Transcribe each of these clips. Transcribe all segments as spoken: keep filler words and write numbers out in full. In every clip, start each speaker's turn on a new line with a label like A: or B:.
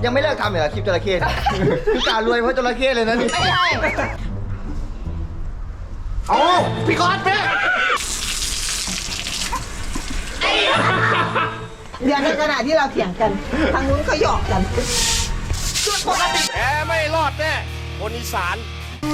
A: ยังไม่เลิกทำเหรอคลิปจระเข้คือการรวยเพราะจระเข้เลยนะนี่ไม่ใช่โอ้พี่ก๊อตแม่
B: เดี๋ยวในขณะที่เราเถียงกันทางนู้นเขาหยอกกันจุดปกติ
C: แกไม่รอดแน่คนอีสาน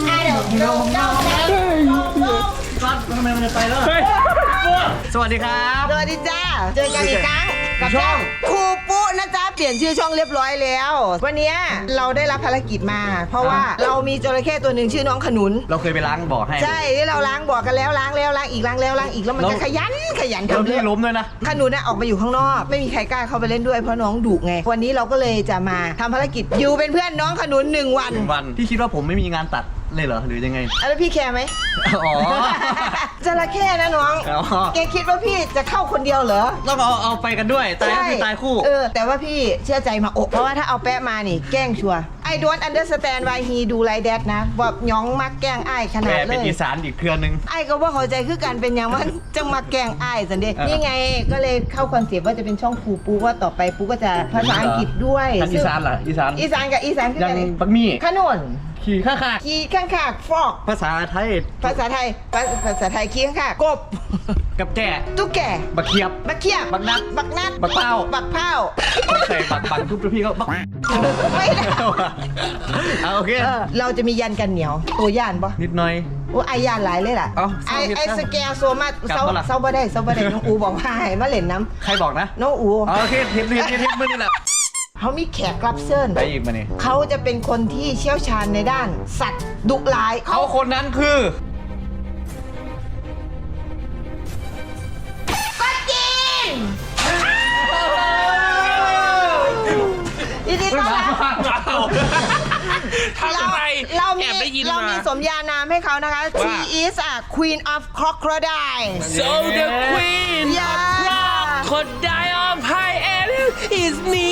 A: สวัสดีครับ
B: สวัสดีจ้าเจอกันอีกครั้งกับช่องครูปุ๊นะจ๊ะเปลี่ยนชื่อช่องเรียบร้อยแล้ว วันนี้เราได้รับภารกิจมา เพราะว่าเรามีจระเข้ตัวหนึ่งชื่อน้องขนุน
A: เราเคยไปล้างบ่อให้
B: ใช่ที่เราล้างบ่อกันแล้วล้างแล้วล้างอีกล้างแล้วล้างอีกแล้วมันก็ขยันขยันทำเรื่อง
A: ล้มด้วยนะ
B: ขนุนน่ะออกมาอยู่ข้างนอกไม่มีใครกล้าเข้าไปเล่นด้วยเพราะน้องดุไงวันนี้เราก็เลยจะมาทำภารกิจอยู่เป็นเพื่อนน้องขนุนหนึ่งวัน
A: วันพี่คิดว่าผมไม่มีงานตัดเลยเหรอหรือยังไง
B: แล้วพี่แคร์ไหม
A: อ๋อ
B: จระเข้นะน้องแกคิดว่าพี่จะเข้าคนเดียวเหรอ
A: ต้องเอาเอาไปกันด้วยตายก็คือตายคู่
B: เออแต่ว่าพี่เชื่อใจมาอกเพราะว่าถ้าเอาแปะมานี่แกล้งชัว I don't understand why he do like that นะแบบย้องมักแกล้งไอ้ขนาดเลย
A: เป็นอีสานอีกเครือนึง
B: ไอ้ก็ว่าเข้าใจคือกันเป็นอย่างว่าจะมาแกล้งไอ้สันเดย์นี่ไงก็เลยเข้าคอนเซปต์ว่าจะเป็นช่องครูปูว่าต่อไปปูก็จะภาษาอังกฤษด้วย
A: อีสานเหรออีสาน
B: อีสานกับอีสานคือ
A: กันบักมี่
B: ขนุน
A: ขี่ข้าขา
B: ขี่ข้างขากฟอก
A: ภาษาไทย
B: ภาษาไทยภาษาไทยขี่ข้างขากบ
A: กับแก่
B: ตุ๊กแก่
A: บักเขียบ
B: บักเขียบ
A: บักนัด
B: บักนัด
A: บักเป้า
B: บักเป้า
A: ใส่บักบักทุบพี่ก็บัก
B: ไม่ได้
A: โอเค
B: เราจะมียันกันเหนียวตัวย่านปะ
A: นิดหน่อย
B: โอ้ไอยานหลายเลยล่ะไอไอสแกลโซมาเซาเซาบ่ได้เซาบ่ได้น้องอูบอกว่าให้มาเล่นน้ำ
A: ใครบอกนะ
B: น้องอู
A: โอเคเทปเทปเทปมือนี่แหละ
B: เขามีแขกรับเชิญ
A: ไปอีกมาเนี่ย
B: เขาจะเป็นคนที่เชี่ยวชาญในด้านสัตว์ดุร้าย
A: เขาคนนั้นคือ
B: ก็จริงยินดีต้อนรับเราเรามีเรามีสมญานามให้เขานะคะ She is a queen of crocodile
C: So the queen of crocodile pie and is me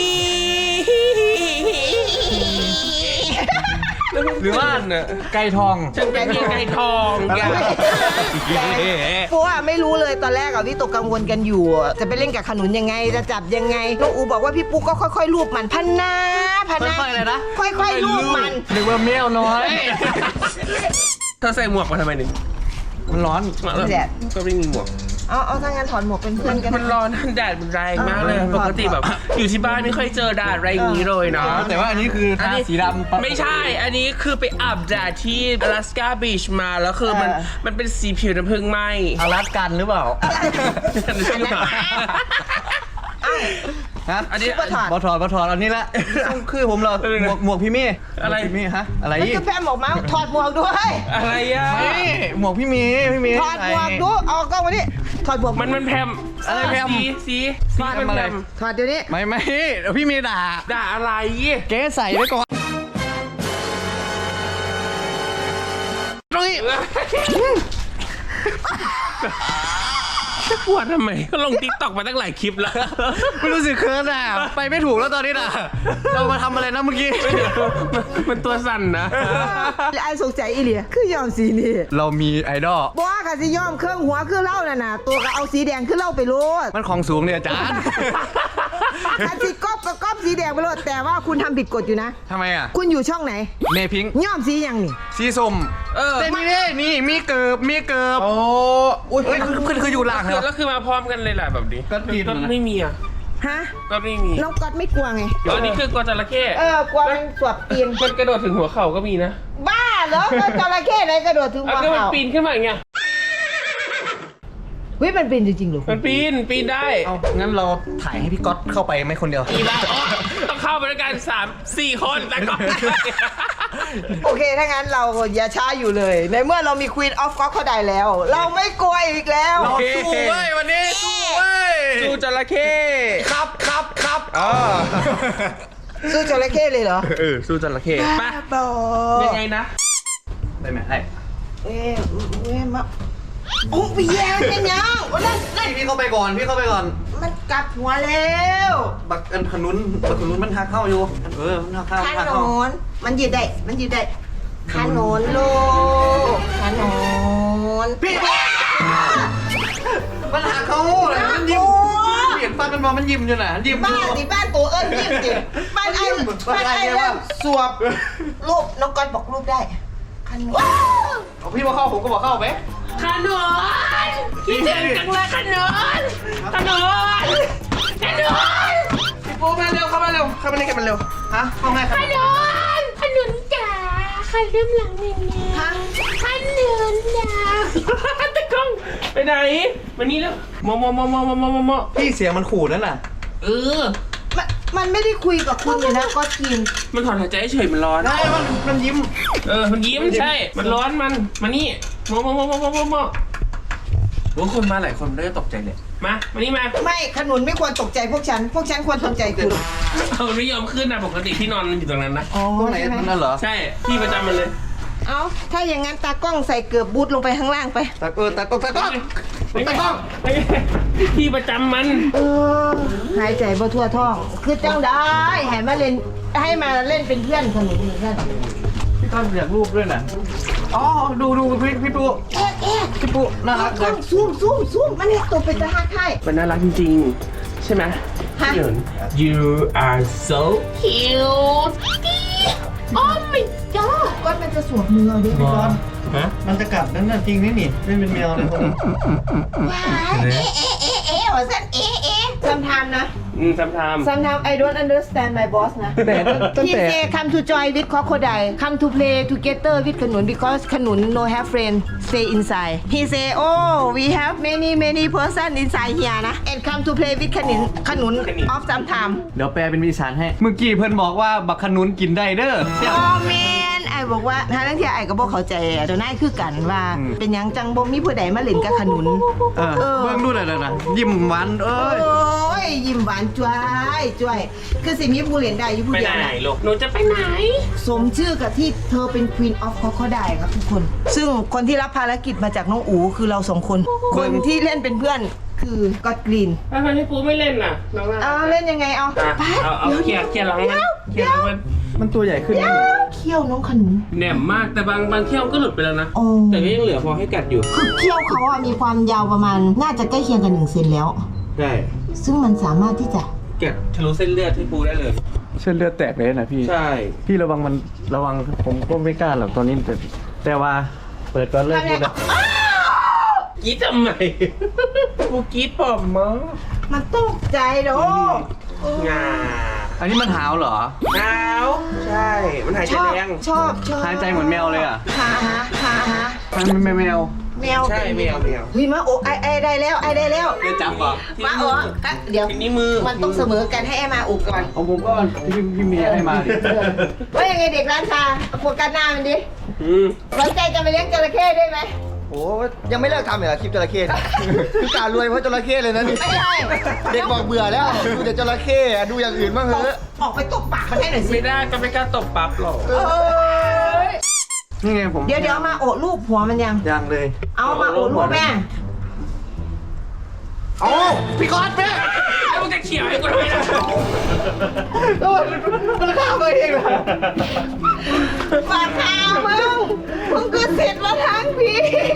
A: หรือว่าไก่ทอง
C: ฉันเป็นเพียงไก่ทองแก
B: เพราะว่าไม่รู้เลยตอนแรกอะพี่ตกกังวลกันอยู่จะไปเล่นกับขนุนยังไงจะจับยังไงน้องอูบอกว่าพี่ปุ๊กก็ค่อยๆลูบมันพันนาพันนา
A: ค่อยๆเลยนะ
B: ค่อยๆลูบมัน
A: หรือว่าแมวน้อย
C: เธอใส่หมวกมาทำไมหนึ่ง
A: มันร้อน
B: แดด
C: ก็ไม่มีหมวก
B: เอาเอาถ้างั้นถอนหมวกเป็นเพื่อนกัน
C: มันร้อนแดดมันแรงมากเลยปกติแบบอยู่ที่บ้านไม่ค่อยเจอแดดอะไรอย่างนี้เลยเนาะ
A: แต่ว่าอันนี้คือทาสีดำ
C: ไม่ใช่อันนี้คือไปอาบแดดที่อลาสกาบีชมาแล้วคือมันมันเป็นสีผิวน้ำผึ้งไหม
A: อลาสกันหรือเปล่าฮะ
B: อันนี้บอถอด
A: บอถอดบอถอดอันนี้ละคือผมเราหมวกหมวกพี่มี่
C: อะไร
A: พี่มี่ฮะอะไร
B: นี่คือแพมหมวกมาถอดหมวกด้วย
C: อะไรอ่ะ
A: หมวกพี่มี่พี่มี่
B: ถอดหมวกดูเอากล้องมาดิถอดหมวก
C: มันมันแพม
A: อะไรแพม
C: สีสีสีมันแพม
B: ถอดเดี๋ยวนี้
A: ไม่ไม่พี่มี่ด่า
C: ด่าอะไร
A: เก๊ใส่ไว้ก่อนตรงนี้
C: ปวดทำไมก็ลงติ๊กต็อกมาตั้งหลายคลิปแล้ว
A: ไม่รู้สึกเคิร์นอ่ะไปไม่ถูกแล้วตอนนี้น่ะเรามาทำอะไรนะเมื่อกี้
C: มันตัวสั่นนะ
B: ไอ้สงสัยอีเหลียคือยอมสีนี่
A: เรามีไอดอล
B: บ้าค่ะสิยอมเครื่องหัวคือเล่าน่ะนะตัวก็เอาสีแดงคือเล่าไปโลด
A: มันของสูงเนี่ยอาจารย์
B: คันสีก๊อบก็ก๊อบสีแดงไปโลดแต่ว่าคุณทำผิดกฎอยู่นะ
A: ทำไมอ่ะ
B: คุณอยู่ช่องไหน
A: เมพิง
B: ย่อมสียังนี่
A: สีส้ม
C: เออ
A: แต่นี่นี่มีเกิบมีเกิบโอ้อุ้ยคือคืออยู่หลังเหรอ
C: แล้วคือมาพร้อมกันเลยแหละแบบนี้
A: ก็ดี
C: ก็ไม่มีอ่ะ
B: ฮะ
C: ก็ไม่มี
B: น้องก๊อตไม่กลัวไง
C: อันนี้คือกลัวจระเข้
B: เออกลัวมันสวบปีน
C: มันกระโดดถึงหัวเข่าก็มีนะ
B: บ้าเหรอก็จระเข้ไหนกระโดดถึงหัวเข่า
C: ก็มันปีนขึ้นมาอย่างเงี้ย
B: เฮ้ยมันปีนจริงๆหรอ
C: มันปีนปีนได้
A: เอางั้นเราถ่ายให้พี่ก๊อตเข้าไปไหมคนเดียว
C: อีบ้าต้องเข้าไปด้วยกันสามสี่คนแต่ก็
B: โอเคถ้างั้นเราอย่าช้าอยู่เลยในเมื่อเรามี Queen of Crocodile แล้วเราไม่กลัวอีกแล้ว
A: เราสู้เว้ยวันนี้สู้เว้ย
C: สู้จระเข้
A: ครับครับครับอ๋อ
B: สู้จระเข้เลยเหรอ
C: เออสู้จระเข้
B: ไป
C: ยังไงนะ
A: ได้ไหมได้
B: เอ๊ะเอ๊ะมาโอ้พี่แย่เป็นยังนั่นนั่น
A: พี่เข้าไปก่อนพี่เข้าไปก่อน
B: มันกลับหัวแล้ว
A: บักอันขนุนบักขนุนมันหักเข้าอยู่เออมันหักเข้า
B: ขนุนมันยืดได้มันยืดได้ขนุนลูกขนุน
A: พี่มันหักเข้าเลยมันยิ้มเห็นฟันมันมองมันยิ้มอยู่น่ะยิ้ม
B: บ้านสิบ้านตัวเอิ้นยิ้มสิบ้านไอ้บ้านไอ้เริ่มสวบรูปน้องก๊อตบอกรูปได้คันว้าว
A: เอาพี่มาเข้าผมก็บอกเข้าไหม
C: ขนมคิดถึงจังเลยขนมขนมขนมพี่ปูมาเร็วเข้ามาเร็วเข้ามาในกันมันเร็ว
A: ฮะเข้าไงครับ
D: ขนมขนุนจ๋าขนมหลังหนึ่งนะ
B: ฮะ
D: ขนุนจ๋า
C: ตะกล้องไปไหนมานี่แล้วมอมอมอมอมอมอมอมอ
A: พี่เสียงมันขู่นั่นน่ะ
C: เออ
B: มันมันไม่ได้คุยกับคุณเลยนะก็ทีม
C: มันถอนหายใจเฉยมันร้อน
A: ได้มันมันยิ้ม
C: เออมันยิ้มใช่ มันร้อนมันมานี่มอมอมอมอมอมอมอโอ้คนมาหลายคนได้ตกใจเลยมามานี่มา
B: ไม่ขนุนไม่ควรตกใจพวกฉัน พวกฉันควรตกใจคุณ
C: เอาไม่ยอมขึ้นนะปกติที่นอนมันอยู่ตรงนั้นนะ
B: อ๋อ
A: ตรงไหน
B: ใช่ไหม
A: นั่นเหรอ
C: ใช่พี่ประจำมันเลย
B: เอาถ้าอย่างนั้นตากล้องใส่เกือบบูทลงไปข้างล่างไป
A: ตะเออตะกล้องตะกล้องตะกล้อง
C: พี่ประจำมัน
B: เออหายใจบ่ทั่วท้อง คือจังได้ให้มาเล่นให้มาเล่นเป็นเพื่อนขนุนเหมือนกัน
A: พี่ก้อนอยากรูปด้วยน่ะอ๋อดูดูพี่พี่ปู
B: เอ๊ะเอ๊ะ
A: พี่ปูน่ารักเล
B: กล้อย งซูมซูมซูมมันเนี่ยตัวเป็นตาฮักไทย
C: มันน่ารักจริงๆ ใช่ไหม
B: ฮะ
C: พี่หยน You are so cute
D: โอ้ my god
B: ก้อนมันจะสวมมือเอาดิพี่ก้อน
C: ฮะ
A: มันจะกัดนั่นน่ะจริงนี่นี่ไม่เป็นแมวเลยคนนี้
B: ว้ายเอ๊ะเอ๊ะเอ๊ะเอ๊ะว่าสั้นเอ๊ะเอ๊ะ sometimes นะ
C: อืมทำทำ
B: sometimes I don't understand my boss นะ
A: แต่ตั้ง
B: He
A: แต่
B: say come to join with crocodile come to play together with ขนุน because ขนุน no have friend stay inside He say oh we have many many person inside here นะ and come to play with ขนุนขนุน of some time
A: เดี๋ยวแปลเป็นอีสานให้ เมื่อกี้เพื่อนบอกว่าบักขนุนกินได้เด้อเนี่ย
B: oh man ไอ้บอกว่าถ้าทั้งที่ไอ้ก็บอกเข้าใจอะเดี๋ยวนายคือกันว่า
A: อืม
B: เป็นหยังจังบ่มีผู้ใดมาเล่นกับขนุน
A: เออ
B: เออ
A: เบิ่งดูหน่อยนะยิ้มหวานเอ้
B: โอ้
A: ย
B: ยยิ้มหวานจ้วยจ้วยคือสิมีผู้เล่นได้อยู่ผู้
C: ไป
B: เดียว
C: ไหน
B: นะ
C: ลูก หนูจะไปไหน
B: สมชื่อกับที่เธอเป็น Queen of Crocodile ครับทุกคน ซึ่งคนที่รับภารกิจมาจากน้องอูคือเราสองคน คนที่เล่นเป็นเพื่อนคือก็อดกรีน
C: ทำไมพี่ปูไม่เล่นน่ะ น้องน่า
B: เอา
C: รัก
B: เล่นยังไงเอา
C: อ่ะ
B: ไป
C: เอาเอาเคลียร์เคลียร์หลังมันเคลียร์หลังมัน
A: มันตัวใหญ่ขึ้น
B: เดี๋
A: นะ
B: ยวเขี้ยวน้องขนุน
C: แหนมมากแต่บางบางเที่ยวก็หลุดไปแล้วนะ
B: โอ้
C: แต่ก็ยังเหลือพอให้กัดอยู่
B: คือเขี้ยวเขาอะมีความยาวประมาณ น่าจะใกล้เคียงกันหนึ่งเซนแล้ว
C: ใช่
B: ซึ่งมันสามารถที่จะ
C: กัดทะลุเส้นเลือดพี่ปูได้เลย
A: เส้นเลือดแตกเลยนะพี่
C: ใช่
A: พี่ระวังมันระวังผมก็ไม่กล้าหรอกตอนนี้แต่แต่ว่าเปิดก่อนเลิกพูดนะ
C: กรีดทำไม ปูกรีดปอมมั้ง
B: มันตกใจโด
C: งา
A: อันนี้มันหาวเหรอ
C: หนาวใช่ มันหายใจ
B: ชอบ
C: แรง
B: ชอบชอบ
A: หายใจเหมือนแมวเลยอ่ะ
B: หาหาหาหา
A: มันไม่แมว
B: แมว
C: ใช่แมวแมว
B: เฮ้ยมาโอ้ไอไอได้แล้วไอได้แล้ว
A: เดี๋ยวจับก่อน
B: มาโอ้อะเดี๋ยว
C: นี่มือ
B: มันต้องเสมอกันให้ไอมาอุกก่อน
A: เอาผมก็พี่พี่เมียให้มาดิ
B: ว่ายังไงเด็กร้านชาโฟกัสหน้ามันดิ
C: อืม
B: สนใจจะไปเลี้ยงจระเข้ได้ไหม
E: โอ้ยังไม่เลิกทำเหรอคลิปจระเข้เนี่ย คือการรวยเพราะจระเข้เลยนะนี่
B: ไม่ใช่
E: เด็กบอกเบื่อแล้ว ดูแต่จระเข้อะดูอย่างอื่นบ้างเถอะ
B: ออกไปตบปากมันให้หน่อยสิ
C: ไม่ได้ก็ไม่กล้าตบปั๊บหรอก
B: เอ้ย
A: นี่ไงผม
B: เดี๋ยวเดี๋ยวเอามาโอบรูปหัวมันยัง
A: ยังเลย
B: เอามาโอบรูปแม่
A: โอ้พี่ก๊อตแม่
C: แล้วมึงจะเขี่ยวให้กูทำไมล่ะ
A: โอ้ยมันฆ่าตัวเองเลย
B: ปากขาวมึงมึงก็เสร็จมาทั้งพี่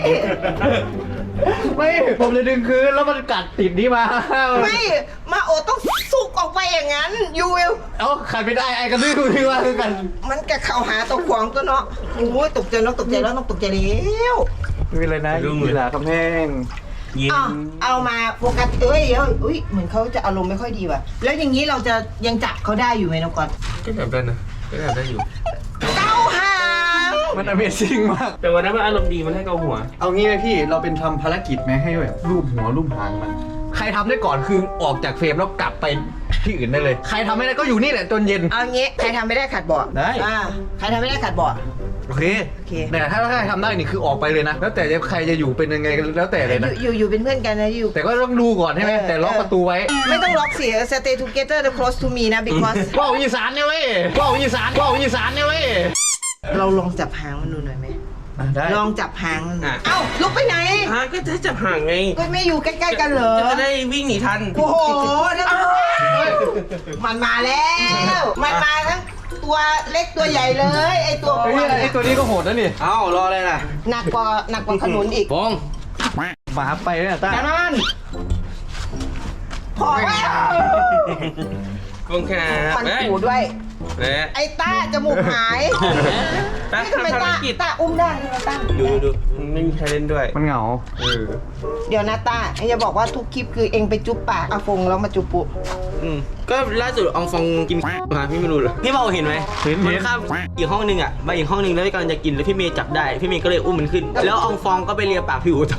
A: ไม่ผมเลยดึงคืนแล้วมันกัดติดนี่มา
B: ไม่มาโอต้องสุกออกไปอย่างนั้นยูวิล
A: เอ้าขัดไม่ได้ไอ้กระดื้อคือว่าคือกัน
B: มันกะเข้าหาตัวขวางตัวเนาะโอ้ยตกใจแล้วตกใจแล้วต้องตกใจแล้ว
A: ไม่เป็นไรนะยีหลาคำแห้ง
C: ยิ้
B: อ้าว
C: ม
B: เอามาโฟกัสเอ้ยเดี๋ยวอุ้ยเหมือนเขาจะอารมณ์ไม่ค่อยดีว่ะ แล้วอย่างนี้เราจะยังจับเขาได้อยู่ไหมน้องก่อน
C: ก็แบบได้นะก็แบบได้อยู่
B: เก้าหาง
A: มัน Amazing มาก
C: แต่วันนั้นมันอารมณ์ดีมันให้เกาหัว
A: เอางี้ไหมพี่เราเป็นทำภารกิจไหมให้แบบรูปหัวรูปหางมัน ใครทำได้ก่อนคือออกจากเฟรมแล้วกลับไปที่อื่นได้เลย ใครทำไม่ได้ก็อยู่นี่แหละจนเย็น
B: เอางี้ใครทำไม่ได้ขัดเบาะ
A: ได้
B: อ่าใครทำไม่ได้ขัดเบาะ
A: โอเค
B: โอเค
A: แต่ถ้าใครทำได้นี่คือออกไปเลยนะ แล้วแต่จะใครจะอยู่เป็นยังไงแล้วแต่เลย
B: อ
A: นะ
B: ยู่อยู่อยู่เป็นเพื่อนกันนะอยู่
A: แต่ก็ต้องดูก่อนใช่ไหม
B: เออ
A: แต่ล็อกประตูไว้
B: ไม่ต้องล็อกสิ stay together the close to me นะ because
A: ว่าวอีสานเนี่ยเว้ยว่าวอีสานว่าวอีสานเนี่ยเว้ย
B: เราลองจับหางมันดูหน่อยไหม
A: อ่ะได้
B: ลองจับหางมัน
C: อ่ะ
B: เอ้าลุกไปไหน
C: ฮะก็จะจับห่างไง
B: ก็ไม่อยู่ใกล้ๆกันเหรอ
C: จะได้วิ่งหนีทัน
B: โอ้โหนั่นมันมาแล้ว มันมาทั้งตัวเล็กตัวใหญ่เลย ไอตัว
A: ไอ้นี่ไอ้ตัวนี้ก็โหดนะนี่
E: เอ้ารออะไรล่ะ
B: หนักกว่าหนักกว่าขนุนอีก
C: บง
A: หมาไปเนี่ยต้า
B: ดังนั้นโหพอแล้ว
C: ขอบคุณครับ
B: ฟัน
C: เฮ้ย
B: ผูด้วย
C: เฮ้ย
B: ไอ้ต้าจมูกหาย
C: ตา
B: นี่ทำไม
C: ทำภาร
B: ต้า
C: กิจ
B: ต้าอุ้มได้ใช่ไหมต้า
C: ดูดูดูไม่มีใครเล่นด้วย
A: มันเหงา
C: เออ
B: เดี๋ยวนะต้าไอ้จะบอกว่าทุกคลิปคือเองไปจุ๊บปากอาฟงแล้วมาจุ๊บปุ
C: อืมก็ล่าสุดอองฟองกินมาพี่ไม่รู้เหรอพี่เบาเห็นไหม
A: เห็น
C: มั
A: เห็น
C: ข้ามอีกห้องนึงอ่ะมาอีกห้องนึงแล้วกำลังจะกินแล้วพี่เมย์จับได้พี่เมย์ก็เลยอุ้มมันขึ้น แล้วอองฟองก็ไปเลียปากพี่อูต่อ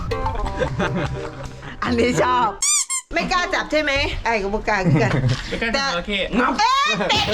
B: อันนี้ชอบ ไม่กล้าจับใช่ไหมไอ้กับบุกกล้าคือกัน
C: แต่โอเคงับ
B: เอ๊ะเตะ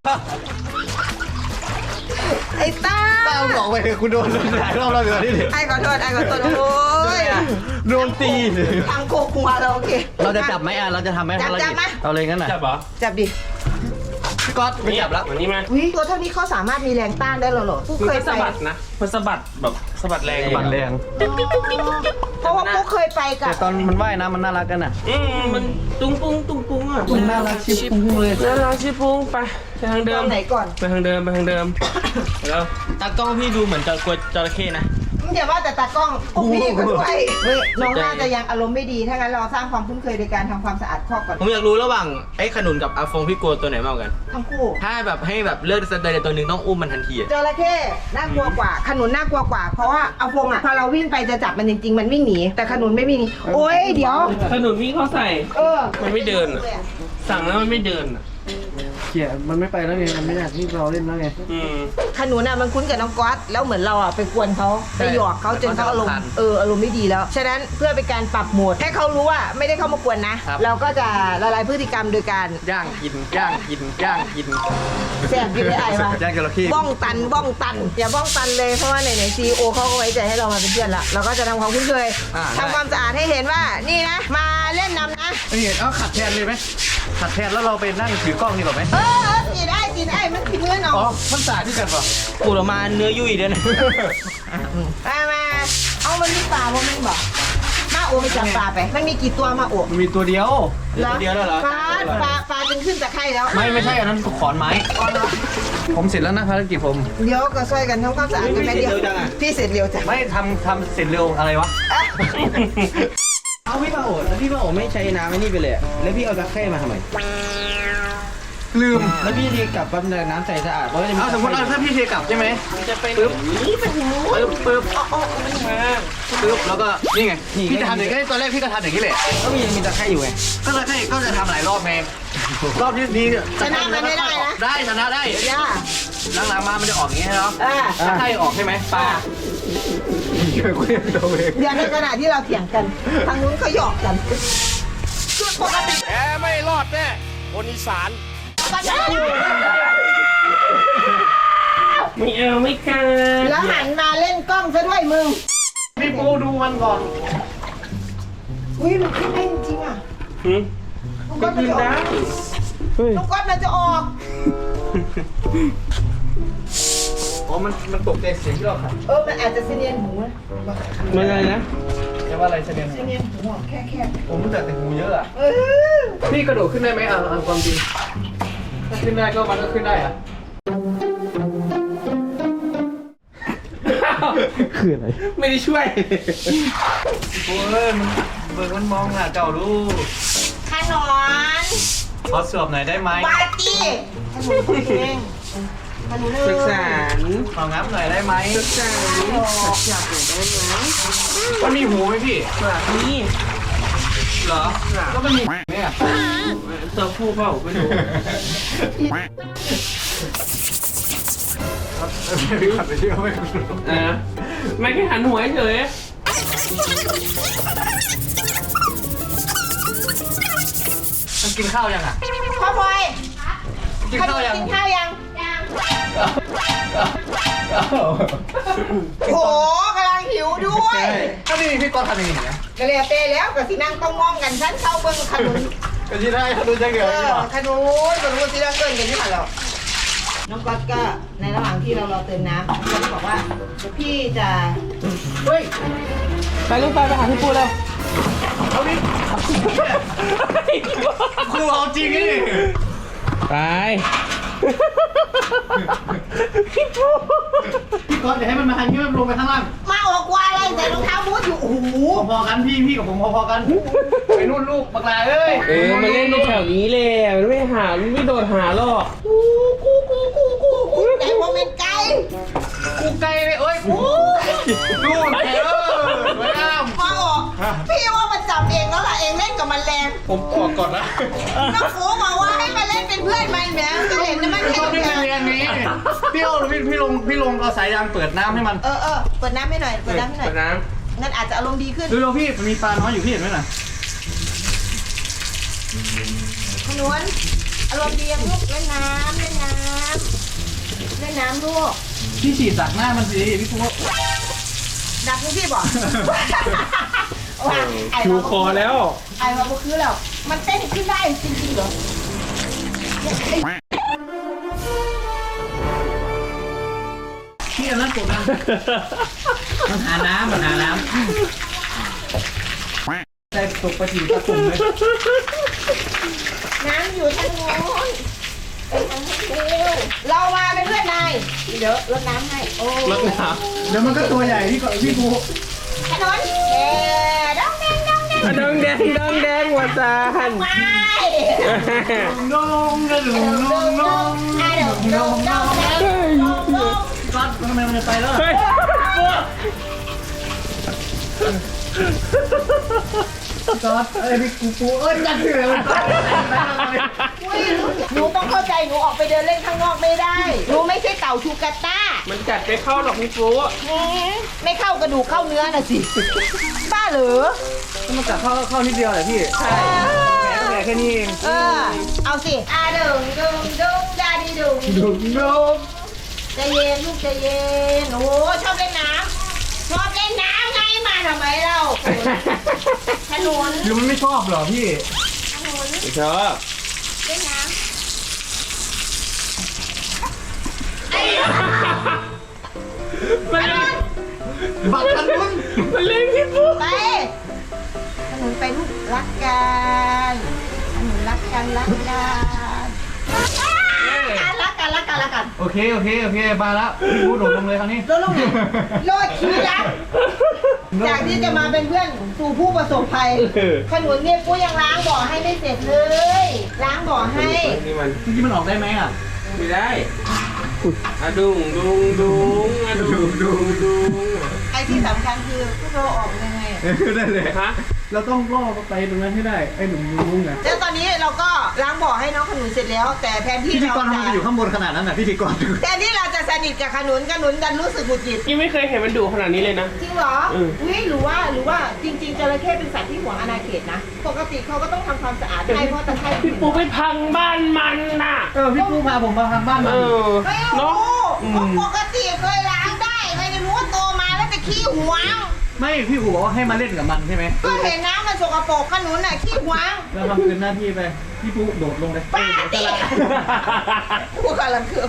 B: ไอ้ไอ้ต้า
A: ต้าบอกไปเลยคุณโดนหลายรอบแล้วเดี๋ยวนี้
B: ไอ้ขอโทษไอ้ขอโทษโอ้ย
A: โดนตี
B: ทางโคกหัวเราโอเค
A: เราจะจับไหมอ่ะเราจะทำไหม
B: จับ
A: ภาร
B: จับ
A: กิจ
B: มา
A: เอาเลยงั้นน่ะ
C: จับเหรอ
B: จับดิ
A: พี่ก๊อตไม่จับแล้ว
C: วันนี้มา
B: อุ้ยตัวเท่านี้เขาสามารถมีแรงต้านได้เหรอเหรอปุ๊ก
C: มัน
B: เคย
C: ก็
B: ไป
C: สะบัดนะมันสะบัดแบบสะบัดแรง
A: บันแรง
B: เพราะว่าปุ๊กเคยไปกั
A: แต่
B: บ
A: ตอนมันว่ายน้ำมันน่ารักกันอ่ะ
C: อืมมันตุ้งปุ้งตุ้งปุ้งอ่ะ
A: มันน่ารักชิบปุ้งเลย
C: น่ารักชิปุ้งไปไปทางเดิ
B: ต
C: ม
B: อนไหนก่อน
C: ไปทางเดิมไปทางเดิมแล้วตากล้องพี่ดูเหมือนจะกลัวจระเข้นะ
B: มึงอย่าว่าแต่ตากล้องพวกพี่ก็ด้วยเฮ้ยน้องน่าจะยังอารมณ์ไม่ดีถ้างั้นเราสร้างความคุ้นเคยโดยการทำความสะอาดคอกก่อน
C: ผมอยากรู้ระหว่างไอ้ขนุนกับอาฟงพี่กลัวตัวไหนมากกว่ากัน
B: ทั้งคู่
C: ถ้าแบบให้แบบเลือกสักตัวใดตัวหนึ่งต้องอุ้มมันทันทีอะ
B: จระเข้น่ากลัวกว่า ขนุนน่ากลัวกว่า เพราะว่าเอาพงอ่ะพอเราวิ่งไปจะจับมันจริงๆ มันวิ่งหนีแต่ขนุนไม่วิ่งหนีโอ้ยเดี๋ยว
C: ขนุนพี่เขาใส่
B: เออ
C: มันไม่เดินอะ สั่งแล้วมันไม่เดินอะ
A: เขี่ยมันไม่ไปแล้วไงมันไม่อยากที่เราเล่นแล้วไง
C: อืม
B: ขนุนอ่ะมันคุ้นกับน้องก๊อตแล้วเหมือนเราอ่ะไปกวนเขาไปหยอกเขาจนเขาอารมณ์เอออารมณ์ไม่ดีแล้ว ฉะนั้นเพื่อเป็นการปรับโหมดให้เขารู้ว่าไม่ได้เข้ามากวนนะ เราก็จะละลายพฤติกรรมโดยการ
A: ย่างกินย่างกินย่างกิน
B: แสบกินได้ไอ้ปะ
A: ย่างจระเข้
B: บ้องตันบ้องตัน อย่าบ้องตันเลยเพราะว่าไหนๆซีโอเขาก็ไว้ใจให้เรามาเป็นเพื่อนละเราก็จะทำความคุ้นเคยทำความสะอาดให้เห็นว่านี่นะ มาเล่นน้ำนะ
A: นี่เอาขัดแทนเลยไหมขัดแทนแล้วเราไปนั่งถือกล้องดีกว่าไหม
B: เออเออกินได้กินได้มันกินเงินเอา
A: อ๋อมันสาดที่กันป่ะ
C: ปูดออกมาเนื้อยุ่ยเด้นะ
B: มามาเอามันมีปลาบ่แม่นบอกมาโอไปจับปลาไป มันมีกี่ตัวมาโอ
A: มันมีตัวเดียว
B: หรอ
C: เดียวแล้วเหรอ
B: ปลาปลาปลาจึงขึ้นจากไข่แล้ว
A: ไม่ไม่ใช่อันนั้นขอนไม้
B: อ๋อเหรอ
A: ผมเสร็จแล้วนะภารกิจผม
B: เดี๋ยวก็ช่วยกันทำความสะอาดกันแม่เดียวพี่เสร็จเร็วจัง
A: ไม่ทำทำเสร็จเร็วอะไรวะ
B: อ่ะ
C: เอาพี่มาโอแล้วพี่มาโอไม่ใช้น้ำไอ้นี่ไปเลยอะแล้วพี่เอาตะไคร่มาทำไม
A: ลืม
C: แล้วพี่ดีกลับปั๊บเนี่ยน้ำใสสะอาดเพราะว่าจะมี
A: เอาสมมติเอาถ้าพี่เทกลับใช่ไหม
C: จะไป
A: ปึ๊บ
C: นี่ไปหู
A: ปึ๊บปึ๊บ
C: อ๋อมันมา
A: ปึ๊บแล้วก็นี่ไง
C: นี่
A: พี่จะทำอย่างนี้ตอนแรกพี่ก็ทำอย่างนี้แหละ
C: ก็มีมีตะไคร่อยู่ไง
A: ก็เลยให้ก็จะทำหลายรอบไงรอบที่นี้
B: ชนะมันไม่ได้นะ
A: ได้ชนะได้
B: ย่า
A: หลังๆมามันจะออกอย่างนี้เนาะ
B: อ่า
A: ถ้าไข่ออกใช่ไหมปลาเกี่ยวกับตัวเอง
B: เดี๋ยวในขณะที่เราเถียงกัน ทางนู้นเขาหยอกกันคือปกติ
F: แกไม่รอดแน่คนอีสาน
C: ไม่เอาไม่กล้า
B: แล้วหันมาเล่นกล้องซะด้วยมึง
A: พี่ปูดูมันก่อน
B: อุ้ยมันขึ้นได้จริงๆอ่ะ
C: หืม
B: ลูก
C: ก็
B: ก๊อตมัน
C: กิน
B: จะออ
C: ได้
B: กลูกก๊อตมันจะออก
A: อ๋อมันมันตกใจเสียงที่เราขัด
B: เออ มันอาจจะเสนียนหูนะ
C: ไม่อะไรนะ
A: จะว่าอะไรเสนียน
B: เสนียนหูอ่ะแค่แค่
A: ผมรู้จักแต่หูเยอะอะ
B: เออ
A: พี่กระโดดขึ้นได้ไหมอ่ะเอาความจริงถ้าขึ้นได้ก็มันก็ขึ้นได้อะคืออะไร
C: ไม่ได้ช่วย
A: โอ้ยมันเบิกมันมองหน้าเจ้าดู
B: ขนน
A: ขอสวบหน่อยได้ไหม
B: ปาร์ตี้ขนมคนเองขนมเอ
C: ศึก
B: ง
C: ษา
A: ของับหน่อยได้ไหม
C: ศึกษา
A: มันมีหูไหมพี่
C: นี่
A: เหรอก็มันมีเนี่ย
C: ตัวผู้เปล่าไม่รู้
A: พี่ขัดไปที่เขาไม่รู้
C: เออไม่แค่หันหัวเฉย
A: มันกินข้าวยังอ่ะ
B: พ่อพลอย
A: กินข้าวยัง
B: กินข้าวยัง
D: ยัง
B: โอ้โหกำลังหิวด้วย
A: ก็นี่พี่กอล์ฟทำอย่างนี้นะ
B: กระเลียเปแล้วกับสีนั่งต้องมองกันฉันเข้าเบิ้งขนุน
A: ก็ที่ได้เขาดูจะเกี่ยว
B: เอ
A: กับ
B: อ
A: นี่หรอ
B: ขนุนขนุนที่เราเกินกันนี่ค่ะเราน้องก๊อตก็ในระหว่างที่เรารอเติมน้ำน้องก๊อตบอกว่าเดี๋ยวพี่จะ
A: เฮ้ย
C: ไปลูกไปไปหาพี่ปูเลย
A: เอาดิครูเอาจริงนี่
C: ไป
A: พี่กอล์ฟอย่าให้มันมาทางนี้มันลงไปข้างล่าง
B: มาออกว่าอะไรใส่รองเท้าบูทอยู่โอ้โห
A: พอๆกันพี่พี่กับผมพอๆกันไปนู่นลูกบักลาเอ้ย
C: เออมาเล่นในแถวนี้แหละมันไม่หามันไม่โดดหาหรอก
B: กูกูกูกูกูกูแต่ว่าเป็นไก่
A: กูไกลเลยเอ้ยกูนู่นเออสวยงาม
B: มาออกพี่ว่ามันจับเองแล้วล่ะเองเล่นกับมันแรง
A: ผมออกก่อนนะ
B: น้องฟูบอกว่าให้มาเล่นเป็นเพื่อนมันแหมจะเห็นนะมัน
A: ชอบ
B: เล่
A: เล่
B: น
A: น
B: กัน
A: เรียนนี้พี่โอ้พี่พี่ลงพี่ลงเอาสายยางเปิดน้ำให้มัน
B: เออเออเปิดน้ำให้หน่อยเปิดน้ำให้หน่อย
C: เปิดน้
B: งั้นอาจจะอารมณ์ดีขึ้น
A: ดูดูพี่มันมีปลาน้อยอยู่พี่เห็นไหมน่ะ
B: ขนวนอารมณ์ดียังลูกเล่นน้ำเล่นน้ำเล่นน้ำลูก
A: พี่ฉีดจากหน้ามันสิพี่ปุ๊
B: ดักลูกพี่บอกว่าไอ้
C: ำชูคอแล้ว
B: ไอ้ว่าบุคือแล้วมันเต้นขึ้นได้จริงๆเหรอ
A: พี่อันนั้นกดดันมันหาน้ำมันหาน้ำใจตกไปถึงตะตุ่มเลย
B: น้ำอยู่ทางโน้นไปทางนี้เร็วเรามาเป็นเพื่อนนายเดี๋ยวรดน้ำให้โอ้
C: รถน้
A: เดี๋ยวมันก็ตัวใหญ่พี่ก่อนพี่ปุ๊
B: ขนนเอ๊ดองแดงดองแดง
C: ำดองแดงดองแดงวัดซาน
B: ไป
A: น้องกระดูกน้องน้อง
B: อ่ะเดี๋ยวดองดองแดงดองดอง
A: ก็ทำไมมันจะไปแล้ว
C: เฮ้ย
A: จอดเอ้ยพี่กูปูเอ้ยจัดเลยมันไป
B: อุ้ยหนูต้องเข้าใจหนูออกไปเดินเล่นข้างนอกไม่ได้หนูไม่ใช่เต่าชูกาต้า
C: มันกัดไปเข้าหรอกพี่ปู
B: ไม่เข้ากระดูกเข้าเนื้อน่ะสิบ้าเหรอ
A: มันกัดเข้าเข้านิดเดียวแหละพี่ใช่แผลก็แผลแค่นี้เอง
B: เออเอาสิอ่ะดึงดึงดึงดาดีดึง
A: ดูดู
B: ใจเย็นลูกใจเย็นโอ้ชอบเล่นน้ำชอบเล่นน้ำไงมาทำไมเราถนน
A: หรือมันไม่ชอบเหรอพี่
B: ถนน
C: ไม่ชอบ
B: เล่นน้
C: มันเล่น
A: บักกันนุ่น
C: มันเล่นพี่ปู
B: ำไปถนนไปลูกรักกันถนนรักกันรักกันรักกันรักกันรักกัน
A: โอเคโอเคโอเคมาแล้วพี่ปูโดดลงเลยคราวนี้
B: โดนลูกไหนโลดชีวิตรักจากที่จะมาเป็นเพื่อนสู่ผู้ประสบภัยขนุนเนี่ยกูยังล้างบ่อให้ไม่เสร็จเลย ล้างบ่อให้
C: นี่มัน
A: เมื่อกี้มันออกได้ไหมอ่ะ
C: ไม่ได้อะดุงดุงดุงอะดุงดุงดุง
B: ไอ้ที่สำคัญคือพวกเราออกยังไง
A: ได้เลย
C: ฮะ
A: เราต้องล่อไปตรงนั้นให้ได้ไอ้หนุ่มลุงไง
B: แล้วตอนนี้เราก็ล้างบ่อให้น้องขนุนเสร็จแล้ว แต่แทนที่
A: พิธี
B: เรา
A: กรทำไม
B: จะ
A: ไปอยู่ข้างบนขนาดนั้นน่ะพิธีกร
B: แทนที่เราจะสนิทกับขนุนขนุนดันรู้สึกหงุดหงิด
C: ยังไม่เคยเห็นมันดุขนาดนี้เลยนะ
B: จริงเหรอ
C: อืม
B: อุ้ยหรือว่าหรือว่าจริงๆจระเข้เป็นสัตว์ที่หวงอาณาเขตนะ ปกติเขาก็ต้องทำความสะอาดให้เพราะตะไคร่
C: พี่ปูไปพังบ้านมันน่ะ
A: เออพี่ปูพาผมมาทางบ้าน
C: เอ
A: มัน
C: อ
B: ไม่
C: เนาะ
B: รู้เพราะปกติเคยล้างได้ไม่ได้รู้ว่าโตมาแล้วจะขี้หวง
A: ไม่พี่อู๋บอกว่าให้มาเล่นกับมันใช่ไหม
B: ก็เห็นน้ำมันสกปรกขนุนน่ะขี้หวง
A: เราทำคืนหน้าที่ไปพี่ปูโดดลงเลย
B: ป้าติกูกำลังเคือง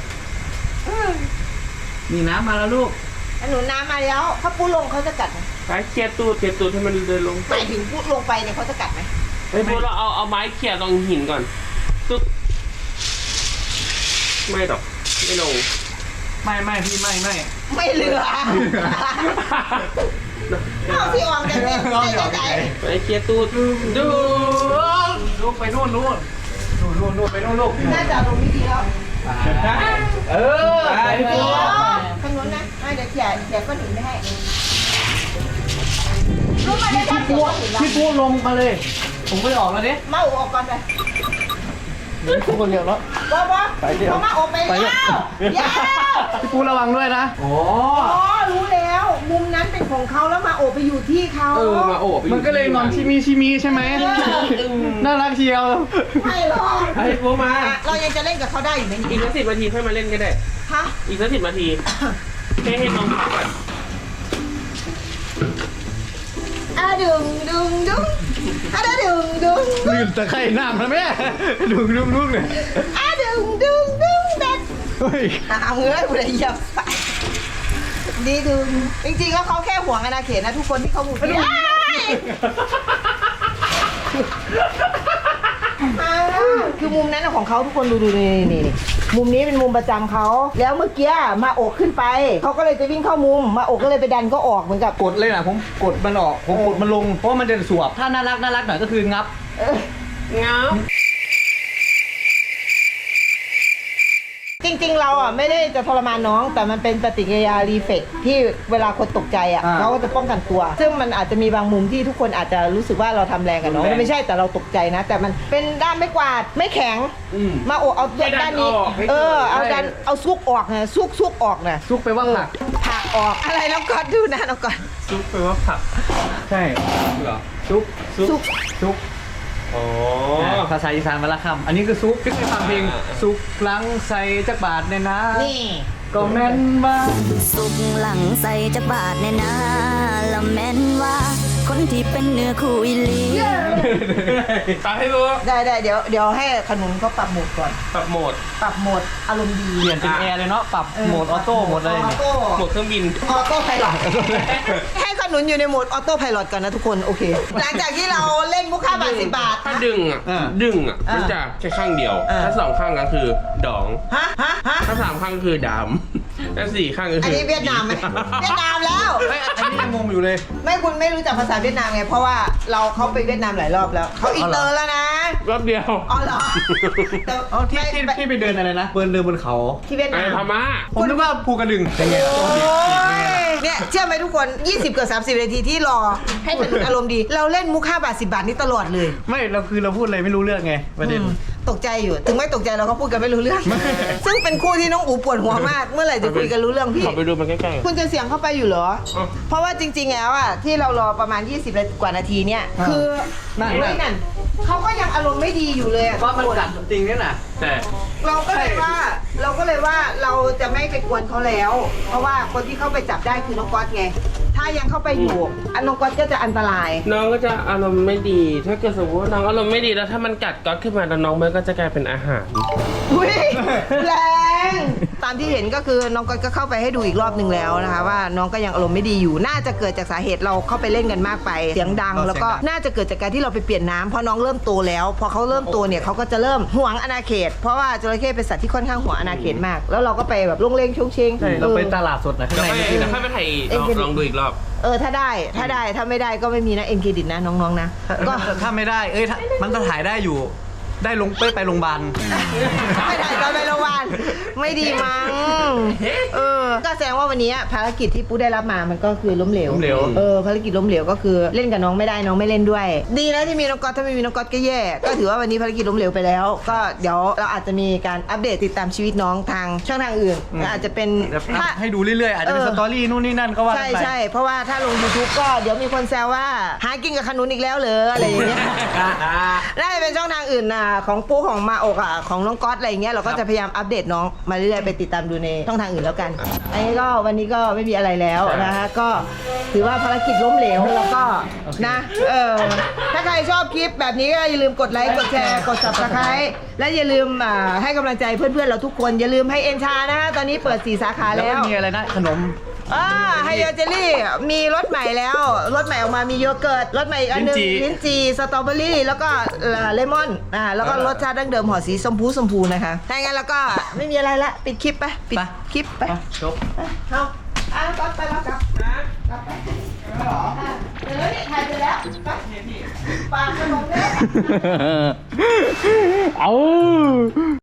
A: นี่น้ำมาแล้วลูก
B: ขนุนน้ำมาแล้วถ้าปูลงเขาจะกัดไหม
C: ไปเคลียร์ตูดเคลียร์ตูดให้มันเดินลง
B: หมายถึงปูลงไปเนี่ยเขาจะกัดไหม
C: ไอ้พวกเราเอาเอาไม้เขี่ยตรงหินก่อนตุ๊บไม่หรอกไม่ลง
A: ไม่ไม่พี่ไม่ไม่
B: ไม่เหลือเอาที่ออกจากเนี่ยใจใจ
C: ไปเคลียร์ตูดดู
A: ลูกไปนู่นนู่นนู่นนู่นนู่นไปนู่นลูก
B: น่าจะลงวิธีแล้ว
A: เออไป
B: เดี๋
A: พี่
B: ยว
A: ปู
B: ขนุนนะอ่ะเดี๋ยวเขี่ยเขี่ยก้อนหินไม่ให้รู้มาได้ทับเสียก้อนหินแล้ว
A: พี่ปูลงมาเลย ผมไปออกแล้วดิ
B: มาอุออกก่อนไป
A: ทุกคนเรียกแล้ว
B: บอบอ
A: ไปเดี๋ยว
B: เขามาอุไปแล้วยาว
A: พี่ปูระวังด้วยนะโอ้
B: อ๋อรู้แล้ว มุมนั้นเป็นของเขาแล้วมาโอบไปอยู่ที่เขา
C: เออมาโอบไป
A: มันก็เลยนอนชิมีชิมีใช่ไหมน่ารักเชียว
B: ไม่หรอก
C: ไอ้พวกมา
B: อ่ะเรายังจะเล่นกับเขาได้อยู่ไหม
C: อีกสักสิบนาทีค่อยมาเล่นก็ได้
B: ฮะ
C: อีกสักสิบนาทีให้ให้น้องพักก่อน
B: อ่ะดึงดึงดึงอ่ะดึงดึงดึง
A: ลืมตะไคร่น้ำนะแม่ดูลูกลูกเลย
B: อ่ะดึงดึงดึงเด็ด
A: เฮ้ย
B: อ่ะเอาเงยกูเลยเหยียบใส่ดีดึงจริงๆแล้วเขาแค่ห่วงอาณาเขตนะทุกคนที่เขาหมุนอ้ายอ้ายคือมุมนั้นนะของเขาทุกคนดูดูนี่นี่นี่มุมนี้เป็นมุมประจำเขาแล้วเมื่อกี้มาโอกขึ้นไปเขาก็เลยจะวิ่งเข้ามุมมาโอกก็เลยไปดันก็ออกเหมือนกับ
A: กดเลยนะผมกดมันออกผมกดมันลงเพราะว่ามันจะสวบถ้าน่ารักน่ารักหน่อยก็คืองับ
C: เงา
B: จริงๆ เราอ่ะไม่ได้จะทรมานน้องแต่มันเป็นปฏิกิริยารีเฟกที่เวลาคนตกใจอ่ะ
A: อ่า
B: เขาก็จะป้องกันตัว ซึ่งมันอาจจะมีบางมุมที่ทุกคนอาจจะรู้สึกว่าเราทำแรงกับน้อง
A: รุนแรง
B: ไม่ใช่แต่เราตกใจนะ แต่มันเป็นด้ามไม่กวาดไม่แข็ง
A: อืม
B: มาโอกเอาด้านนี้เออเอาดันเอาซุกออกนะซุกซุกออกนะ
A: ซุกไปว่าผัก
B: ผักออกอะไรน้องก่อนดูนะน้องก่อน
C: ซุปไปว่าผัก
A: ใช่เหรอซุก
B: ซุก
A: ซุก
C: อ๋อ
A: ภาษาอีสานมาละคำอันนี้คือซุกที่เคยฟังเพลงซุกลังใส่จักบาทเนี่ยนะ
B: นี่
A: ก็แม่นว่า
G: สุกหลังใส่จักบาทแน่นาละแม่นว่า คนที่เป็นเนื้อคู่อีหลี
C: ตามให้รู้
B: ได้ได้เดี๋ยวเดี๋ยวให้ขนุนเขาปรับโหมดก่อน
C: ปรับโหมด
B: ปรับโหมดอารมณ์ดี
A: เปลี่ยนเป็นแอร์เลยเนาะปรับโหมดออโต้หมดเลย
B: ออ
A: เนี่ย
B: โต้
C: โหมดเครื่องบิน
B: ออโต้ไพลอต ให้ขนุนอยู่ในโหมดออโต้ไพลอตก่อนนะทุกคนโอเค หลังจากที่เราเล่นมุกค่าบาทสิบบาท
C: ถ้าดึงอ่ะ
A: อ่า
C: ดึงอ่ะ
B: อ่ามั
C: มันจะแค่ข้างเดียว
B: อ่า
C: ถ้าสองข้างก็คือดอง
B: ฮะฮะฮะ
C: ถ้าสามข้างก็คือดำ ถ้าสี่ข้างก็
B: อัน
C: คือ
B: นี้เวียดนามไหมเวียดนามแล้ว
A: เฮ้ยอันนี้ยังงงอยู่เลย
B: ไม่คุณไม่รู้จักภาษาเวียดนามไงเพราะว่าเราเขาไปเวียดนามหลายรอบแล้วเขาอินเตอร์แล้วนะ
C: รอบเดียว
B: อ๋อเหรอแต่
A: อ๋อที่ที่
B: ไม่
A: ที่ไปเดินอะไรนะเดินเดินบนเขา
B: ที่เวียด
C: ไอ้
B: นาม
C: พม่า
A: ผมนึกว่าภูกระดึงเป็นไง
B: โอ้ยเนี่ยเชื่อไหมทุกคน ยี่สิบเกือบสามสิบนาทีที่รอให้ขนุนอารมณ์ดี เราเล่นมุกห้าบาทสิบบาทนี้ตลอดเลย
A: ไม่เราคือเราพูดอะไรไม่รู้เรื่องไงประเด็น
B: อืมตกใจอยู่ ถึงไม่ตกใจเราก็พูดกันไม่รู้เรื่อง ซึ่งเป็นคู่ที่น้องอูปวดหัวมาก เมื่อไหร่จะคุยกันรู้เรื่องพี่
C: ขอไปดูมันใกล้ๆ
B: คุณจะเสียงเข้าไปอยู่เหรอ
C: อ๋อ
B: เพราะว่าจริงๆแล้วอ่ะที่เรารอประมาณ ยี่สิบกว่านาทีเนี่ย
A: อ่า
B: คือ
A: นั่นๆ
B: เฮ้ยนั่นเขาก็ยังอารมณ์ไม่ดีอยู่เลยอะ
A: ว่ามันกัดจริงเนี่ยนะ
C: แต่
B: เราก็เลยว่าเราก็เลยว่าเราจะไม่ไปกวนเขาแล้ว เพราะว่าคนที่เข้าไปจับได้คือน้องก๊อตไง ถ้ายังเข้าไปอยู่อันน้องก๊อตก็จะอันตราย
C: น้องก็จะอารมณ์ไม่ดี ถ้าเกิดสมมติว่าน้องอารมณ์ไม่ดีแล้วถ้ามันกัดก๊อตขึ้นมาแล้วน้องมันก็จะกลายเป็นอาหาร
B: อุ้ยแรง ตามที่เห็นก็คือน้องก๊อตก็เข้าไปให้ดูอีกรอบหนึ่งแล้วนะคะว่าน้องก็ยังอารมณ์ไม่ดีอยู่ น่าจะเกิดจากสาเหตุเราเข้าไปเล่นกันมากไปเสียงดัง แล้วก็น่าจะเกิดจากการที่เราไปเปลี่ยนน้ำเพราะน้องเริ่มโตแล้วพอเขาเริ่มโตเนี่ยเขาก็จะเริ่มหวงอาณาเขต เพราะว่าจระเข้เป็นสัตว์ที่ค่อนข้างหวงอาณาเขตมาก แล้วเราก็ไปแบบลงเลงชงเชง
A: ใช่เราไป
B: ออ
A: ตลาดสดนะข้าง
C: เดี๋ยว
A: ใน
C: ค่อย
A: นี่
C: เดี๋ยว
A: นะ
C: ค่อยไปถ่าย
B: เอ็
C: ล
B: น
C: อง
B: เครดิต
C: ลองดูอีกรอบ
B: เออถ้าได้ถ้าได้ถ้าไม่ได้ก็ไม่มีนะเอ็นเครดิตนะน้องๆนะก็
A: ถ้าไม่ได้เอ้ยถ้ามันก็ถ่ายได้อยู่ ได้ลงไปไปโรงพยาบาล
B: ไม่ถ่ายตอนไปโรงพยาบาลไม่ดีมั้งเออก็แสดงว่าวันนี้ภารกิจที่ปูได้รับมามันก็คือล้มเหลว
A: ล้มเหลว
B: เออภารกิจล้มเหลวก็คือเล่นกับน้องไม่ได้น้องไม่เล่นด้วย ดีนะที่มีน้องก๊อตถ้าไม่มีน้องก๊อตก็แย่ก็ถือว่าวันนี้ภารกิจล้มเหลวไปแล้ว ก็เดี๋ยวเราอาจจะมีการอัปเดตติดตามชีวิตน้องทางช่องทางอื่นอาจจะเป็นถ้า
A: ให้ดูเรื่อยๆ อาจจะเป็น
B: เออ
A: สตอรี่นู่นนี่นั่นก็ว่ากั
B: ใช่
A: นไป
B: ใช่เพราะว่าถ้าลง YouTube ก็เดี๋ยวมีคนแซวว่าหากินกับขนุนอีกแล้วเหรออะไรอย่างเงี้ย น่าจะเป็นช่องทางอื่นนะของปูของมาอกอ่ะของน้องก๊อตอะไรอย่างเงี้ยเราก็จะพยายามอัปเดตน้องมาเรื่อยๆไปติดตามดูในช่องทางอื่นแล้วกันอันนี้ก็วันนี้ก็ไม่มีอะไรแล้วนะคะก็ถือว่าภารกิจล้มเหลวแล้วก็นะเออถ้าใครชอบคลิปแบบนี้ก็อย่าลืมกดไลค์กดแชร์กด ซับสไครบ์ และอย่าลืมอ่าให้กำลังใจเพื่อนๆเราทุกคนอย่าลืมให้เอ็นชานะคะตอนนี้เปิดสี่สาขา
A: แล้ว
B: แล้ว
A: ก็มีอะไรนะขนม
B: อ่าไฮโอเจลลี่มีรสใหม่แล้วรสใหม่ออกมามีโยเกิร์ตรสใหม่อีกอันหนึง
A: ลิ้นจี่
B: ลิ้นจี่สตรอเบอรี่แล้วก็เอ่อเลมอนอ่าแล้วก็รสชาติดั้งเดิมห่อสีชมพูชมพูนะคะถ้าอย่างนั้นแล้วก็ไม่มีอะไรละปิดคลิปไปปิดคลิปไป
A: จบ
B: เอาอ่ะก็ไปแล้วกลับกลับไปอ่ะเดี๋ยวนี่ถ่ายไปแล้วไปปากขนมเนี่ย
A: เอา